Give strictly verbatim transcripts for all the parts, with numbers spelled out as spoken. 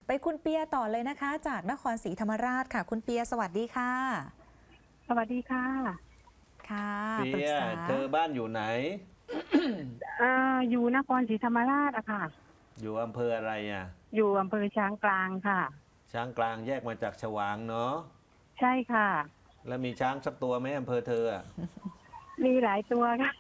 ไปคุณเปียต่อเลยนะคะ จากนครศรีธรรมราชค่ะ คุณเปียสวัสดีค่ะสวัสดีค่ะค่ะเปีปรึกยษาเธอบ้านอยู่ไหนเอ่ออยู่นครศรีธรรมราชอะค่ะอยู่อำเภออะไรอ่ะอยู่อำเภอช้างกลางค่ะช้างกลางแยกมาจากฉวางเนาะใช่ค่ะแล้วมีช้างสักตัวไหมอำเภอเธออะมีหลายตัวค่ะ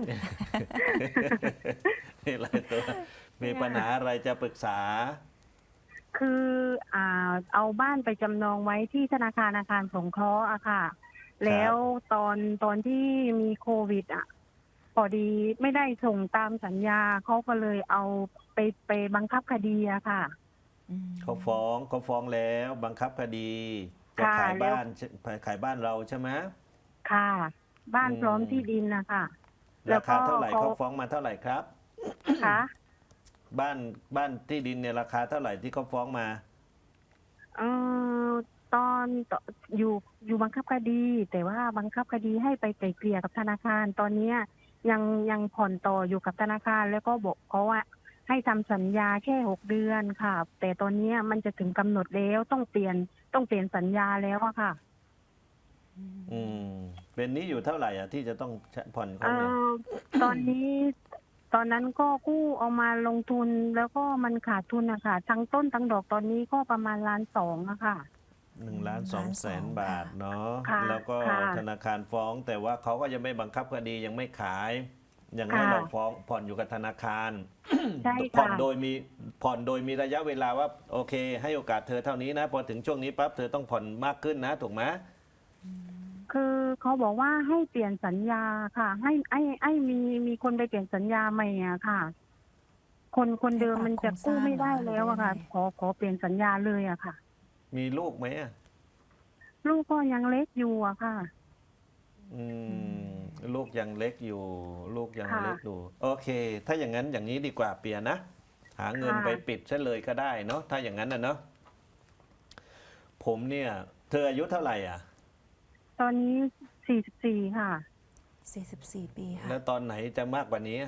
มีหลายตัว มีปัญหาอะไรจะปรึกษาคืออ่าเอาบ้านไปจำนองไว้ที่ธนาคารอาคารสงเคราะห์อะค่ะ แล้วตอนตอนที่มีโควิดอะพอดีไม่ได้ส่งตามสัญญาเขาก็เลยเอาไปไปบังคับคดีอะค่ะอืมเขาฟ้องเขาฟ้องแล้วบังคับคดี จะค่ะขายแล้วบ้านขายบ้านเราใช่ไหมค่ะ บ้านอืมพร้อมที่ดินนะคะราคาเท่าไหร่เขาฟ้องมาเท่าไหร่ครับค่ะบ้านบ้านที่ดินเนี่ยราคาเท่าไหร่ที่เขาฟ้องมาเออตอนตอยู่อยู่บังคับคดี แต่ว่าบังคับคดีให้ไปไกล่เกลี่ยกับธนาคาร ตอนเนี้ยยังยังผ่อนต่ออยู่กับธนาคาร แล้วก็บอกเขาว่าให้ทำสัญญาแค่หกเดือนค่ะ แต่ตอนเนี้ยมันจะถึงกำหนดแล้วต้องเปลี่ยนต้องเปลี่ยนสัญญาแล้วอะค่ะอืมเป็นหนี้อยู่เท่าไหร่อ่ะที่จะต้องผ่อนเอเขาเนี่ยอตอนนี้ ตอนนั้นก็กู้เอามาลงทุนแล้วก็มันขาดทุนอะค่ะทั้งต้นทั้งดอกตอนนี้ก็ประมาณล้านสองอะค่ะหนึ่งล้านสองแสนล้านสองบาทเนาะค่ะแล้วก็ค่ะธนาคารฟ้อง แต่ว่าเขาก็ยังไม่บังคับคดียังไม่ขาย ยังให้ค่ะเราฟ้องผ่อนอยู่กับธนาคารใช่ผ่อนค่ะโดยมีผ่อนโดยมีระยะเวลาว่าโอเค ให้โอกาสเธอเท่านี้นะพอถึงช่วงนี้ปั๊บเธอต้องผ่อนมากขึ้นนะถูกไหมคือเขาบอกว่าให้เปลี่ยนสัญญาค่ะ ให้ให้ให้มีมีคนไปเปลี่ยนสัญญาใหม่อะค่ะ คนคนเดิมมันจะกู้ไม่ได้แล้วอะค่ะ ขอขอเปลี่ยนสัญญาเลยอะค่ะมีลูกไหมอะลูกก็ยังเล็กอยู่อะค่ะอืมลูกยังเล็กอยู่ ลูกยังค่ะเล็กอยู่โอเค ถ้าอย่างนั้นอย่างนี้ดีกว่าเปียนะ หาเงินค่ะไปปิดซะเลยก็ได้เนาะถ้าอย่างนั้นนะเนาะผมเนี่ย เธออายุเท่าไหร่อ่ะตอนนี้สี่สิบสี่ค่ะสี่สิบสี่ ปีค่ะแล้วตอนไหนจะมากกว่านี้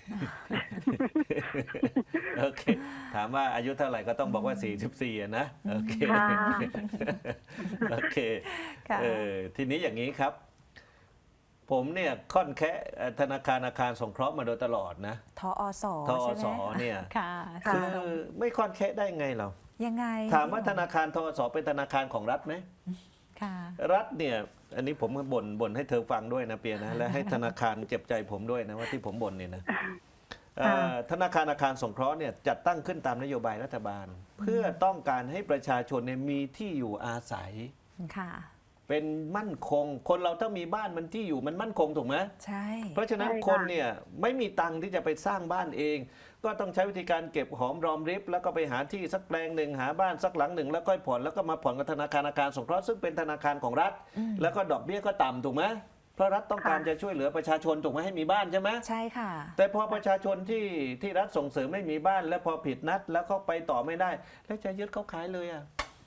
โอเค ถามว่าอายุเท่าไหร่ก็ต้องบอกว่า สี่สิบสี่อะนะ โอเคค่ะโอเคค่ะเออทีนี้อย่างนี้ครับ ผมเนี่ยค่อนแค่ธนาคารอาคารสงเคราะห์มาโดยตลอดนะทอสทอใช่ไหมสเนี่ยค่ะค่ะคือไม่ค่อนแค่ได้ไงเรายังไงถามว่าธนาคารทอสเป็นธนาคารของรัฐไหมค่ะรัฐเนี่ย อันนี้ผมบ่นบ่นให้เธอฟังด้วยนะเปียนะ และให้ธนาคารเจ็บใจผมด้วยนะว่าที่ผมบ่นเนี่ยนะเอ่อธนาคารอาคารสงเคราะห์เนี่ยจัดตั้งขึ้นตามนโยบายรัฐบาล เพื่อต้องการให้ประชาชนเนี่ยมีที่อยู่อาศัยค่ะเป็นมั่นคง คนเราถ้ามีบ้านมันที่อยู่มันมั่นคงถูกไหมใช่เพราะฉะนั้นใช่ค่ะคนเนี่ยไม่มีตังค์ที่จะไปสร้างบ้านเอง ก็ต้องใช้วิธีการเก็บหอมรอมริบแล้วก็ไปหาที่สักแปลงหนึ่งหาบ้านสักหลังหนึ่งแล้วก็ผ่อนแล้วก็มาผ่อนกับธนาคารอาคารสงเคราะห์ซึ่งเป็นธนาคารของรัฐอืมแล้วก็ดอกเบี้ยก็ต่ำถูกไหมเพราะรัฐต้องการค่ะจะช่วยเหลือประชาชนถูกไหมให้มีบ้านใช่ไหมใช่ค่ะแต่พอประชาชนที่ที่รัฐส่งเสริมไม่มีบ้าน แล้วพอผิดนัดแล้วเขาไปต่อไม่ได้ แล้วจะยึดเขาขายเลยอ่ะ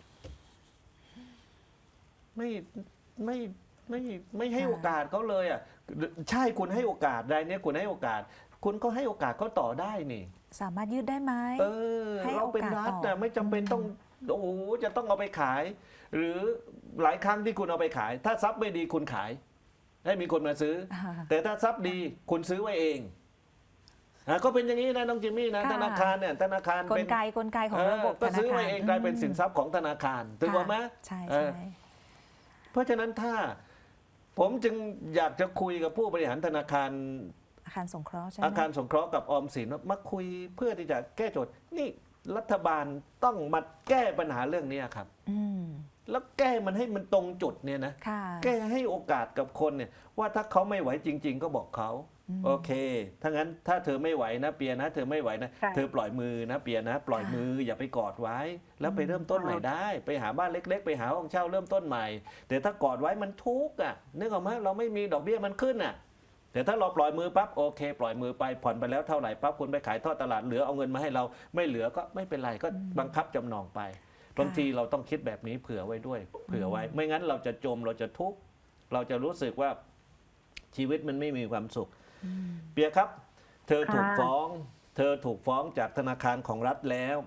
ไม่ไม่ไม่ไม่ให้ค่ะโอกาสเขาเลยอ่ะใช่คุณให้โอกาสรายเนี้ยคุณให้โอกาส คุณก็ให้โอกาสเขาต่อได้นี่สามารถยืดได้ไหมเออให้เราเป็นรัฐโอกาสต่นะอไม่จำเป็นต้องโอ้โหจะต้องเอาไปขาย หรือหลายครั้งที่คุณเอาไปขาย ถ้าทรัพย์ไม่ดีคุณขาย ให้มีคนมาซื้ออ่าแต่ถ้าทรัพย์ดีคุณซื้อไว้เองอ่ะก็เป็นอย่างนี้นะน้องจิมมี่นะค่ะธนาคารเนี่ยธนาคารกเป็ลนไกกลไกของเออระบบก็ธนาซื้อคารไว้เองกลายเป็นสินทรัพย์ของธนาคารถูกไหมใช่เอใช่อ เพราะฉะนั้นถ้าผมจึงอยากจะคุยกับผู้บริหารธนาคารอาคารสงเคราะห์ใช่ไหมอาคารสงเคราะห์กับออมสินว่ามาคุยเพื่อที่จะแก้โจทย์นี่รัฐบาลต้องมาแก้ปัญหาเรื่องนี้ครับอืมแล้วแก้มันให้มันตรงจุดเนี่ยนะค่ะแก้ให้โอกาสกับคนเนี่ยว่าถ้าเขาไม่ไหวจริง ๆ ก็บอกเขาอืมโอเคถ้างั้นถ้าเธอไม่ไหวนะเปียนะ เธอไม่ไหวนะค่ะเธอปล่อยมือนะเปียนะ ปล่อยค่ะมืออย่าไปกอดไว้ แล้วไปอืมเริ่มต้นใหม่ได้ ไปหาบ้านเล็ก ๆ ไปหาห้องเช่าเริ่มต้นใหม่ แต่ถ้ากอดไว้มันทุกข์อ่ะนึกออกไหมเราไม่มีดอกเบี้ยมันขึ้นอ่ะแต่ถ้าเราปล่อยมือปั๊บโอเค ปล่อยมือไปผ่อนไปแล้วเท่าไหร่ปั๊บคุณไปขายทอดตลาดเหลือเอาเงินมาให้เราไม่เหลือก็ไม่เป็นไรก็บังคับจำนองไปบางทีเราต้องคิดแบบนี้เผื่อไว้ด้วย เผื่อไว้ ไม่งั้นเราจะจมเราจะทุกข์เราจะรู้สึกว่าชีวิตมันไม่มีความสุขอืมเปียครับ เธอถูกค่ะฟ้อง เธอถูกฟ้องจากธนาคารของรัฐแล้ว เ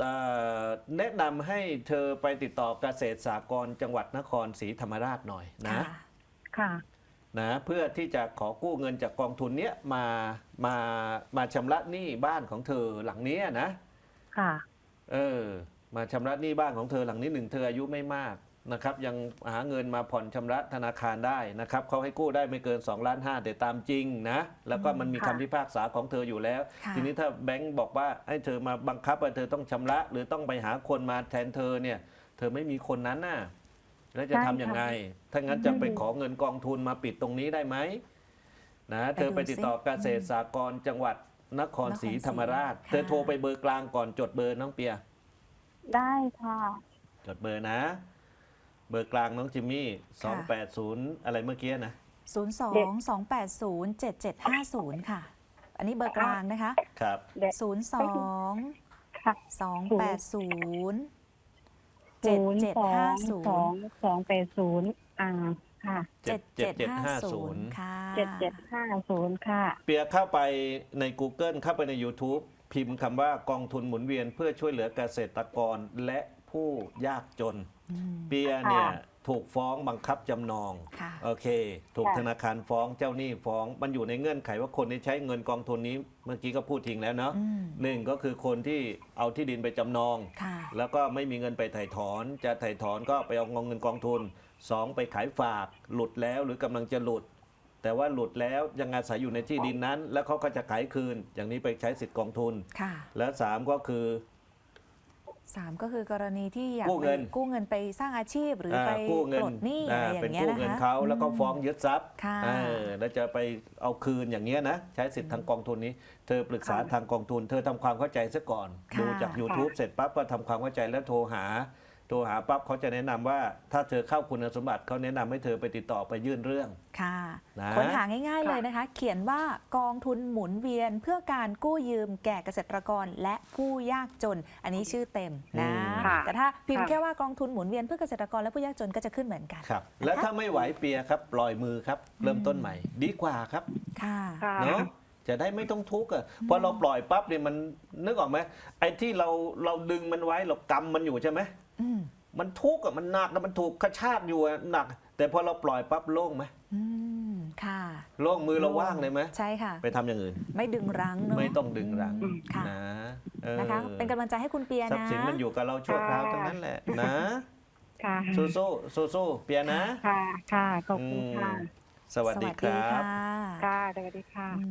เอ่อแนะนำให้เธอไปติดต่อเกษตรสหกรณ์จังหวัดนครศรีธรรมราชหน่อยนะค่ะค่ะนะเพื่อที่จะขอกู้เงินจากกองทุนเนี้ยมามามาชำระหนี้บ้านของเธอหลังเนี้ยนะค่ะเออมาชำระหนี้บ้านของเธอหลังนี้หนึ่งเธออายุไม่มากนะครับยังหาเงินมาผ่อนชำระธนาคารได้นะครับเขาให้กู้ได้ไม่เกิน2ล้านห้าแต่ตามจริงนะแล้วก็มันมีค่ะคำพิพากษาของเธออยู่แล้วค่ะทีนี้ถ้าแบงก์บอกว่าให้เธอมาบังคับว่าเธอต้องชำระ หรือต้องไปหาคนมาแทนเธอเนี่ยเธอไม่มีคนนั้นน่ะแล้วจะทำยังไง ถ้างั้นจะไปขอเงินกองทุนมาปิดตรงนี้ได้ไหมนะเธอไปติดต่อเกษตรสหกรณ์จังหวัดนครศรีธรรมราชค่ะเธอโทรไปเบอร์กลางก่อนจดเบอร์น้องเปียได้ค่ะจดเบอร์นะ เบอร์กลางน้องจิมมี่สองแปดศูนย์อะไรเมื่อกี้นะศูนย์ สอง สอง แปด ศูนย์ เจ็ด เจ็ด ห้า ศูนย์ ค่ะ อันนี้เบอร์กลางนะคะครับเดี๋ยวศูนย์ สองค่ะสอง แปด ศูนย์ เจ็ศูดนย์เจ็ดสอห้าง ศูนสองย์สองแปดศูนย์อ่าค่ะเจ็ดเจ็ดห้าศูนย์ค่ะเจ็ดเจ็ดห้าศูนย์ค่ะเปียเข้าไปใน Google เข้าไปใน YouTube พิมพ์คำว่ากองทุนหมุนเวียนเพื่อช่วยเหลือเกษตรกรและผู้ยากจนอืมเปียเนี่ยค่ะถูกฟ้องบังคับจำนองค่ะโอเค ถูกค่ะธนาคารฟ้องเจ้าหนี้ฟ้อง มันอยู่ในเงื่อนไขว่าคนที่ใช้เงินกองทุนนี้ เมื่อกี้ก็พูดทิ้งแล้วเนาะอืมหนึ่งก็คือคนที่เอาที่ดินไปจำนองค่ะแล้วก็ไม่มีเงินไปถ่ายถอน จะถ่ายถอนก็ไปเอาเงินกองทุนสองไปขายฝาก หลุดแล้วหรือกำลังจะหลุด แต่ว่าหลุดแล้วยังอาศัยอยู่ในที่ดินนั้น แล้วเขาก็จะขายคืน อย่างนี้ไปใช้สิทธิ์กองทุนค่ะและสามก็คือสามก็คือกรณีที่อยากกู้เงินไปกู้เงินไปสร้างอาชีพหรืออ่าไปกู้เงิปลดหนี้อะไรอเป็นย่างเงี้ยกู้นะเงินคะเขาแล้วก็ฟ้องมยึดทรัพย์ค่ะเออแล้วจะไปเอาคืนอย่างเงี้ยนะใช้สิทธิ์ทางกองทุนนี้ เธอปรึกษาค่ะทางกองทุน เธอทำความเข้าใจซะก่อนค่ะดูจาก YouTube เสร็จปั๊บก็ทำความเข้าใจแล้วโทรหา โทรหาปั๊บเขาจะแนะนำว่า ถ้าเธอเข้าคุณสมบัติเขาแนะนำให้เธอไปติดต่อไปยื่นเรื่องค่ะนะค้นหาง่ายๆเลยนะคะ เขียนว่ากองทุนหมุนเวียนเพื่อการกู้ยืมแก่เกษตรกรและผู้ยากจน อันนี้ชื่อเต็มนะค่ะแต่ถ้าพิมพ์ค่ะแค่ว่ากองทุนหมุนเวียนเพื่อเกษตรกรและผู้ยากจนก็จะขึ้นเหมือนกันครับ แล้วถ้าไม่ไหวเปียครับ ปล่อยมือครับ เริ่มต้นใหม่ ดีกว่าครับค่ะค่ะเนาะจะได้ไม่ต้องทุกข์อ่ะพอเราปล่อยปั๊บเนี่ยมันนึกออกไหมไอ้ที่เราเราดึงมันไว้เรากำมันอยู่ใช่ไหมอืมมันทุกข์อ่ะมันหนักนะมันถูกกระชากอยู่อะหนัก แต่พอเราปล่อยปั๊บโล่งไหมอืม ค่ะโล่งมือเราว่างเลยไหมใช่ค่ะไปทำอย่างอื่นไม่ดึงรั้งเนอะไม่ต้องดึงรั้งอืมค่ะนะเออนะคะ เป็นกำลังใจให้คุณเปียทรัพนะย์สินมันอยู่กับเราชั่วคราวทั้งนั้นแหละนะค่ะสู้สู้สู้สู้ๆเปียนะค่ะ ค่ะ ขอบคุณค่ะอืมสวัสดีครับค่ะค่ะ สวัสดีค่ะ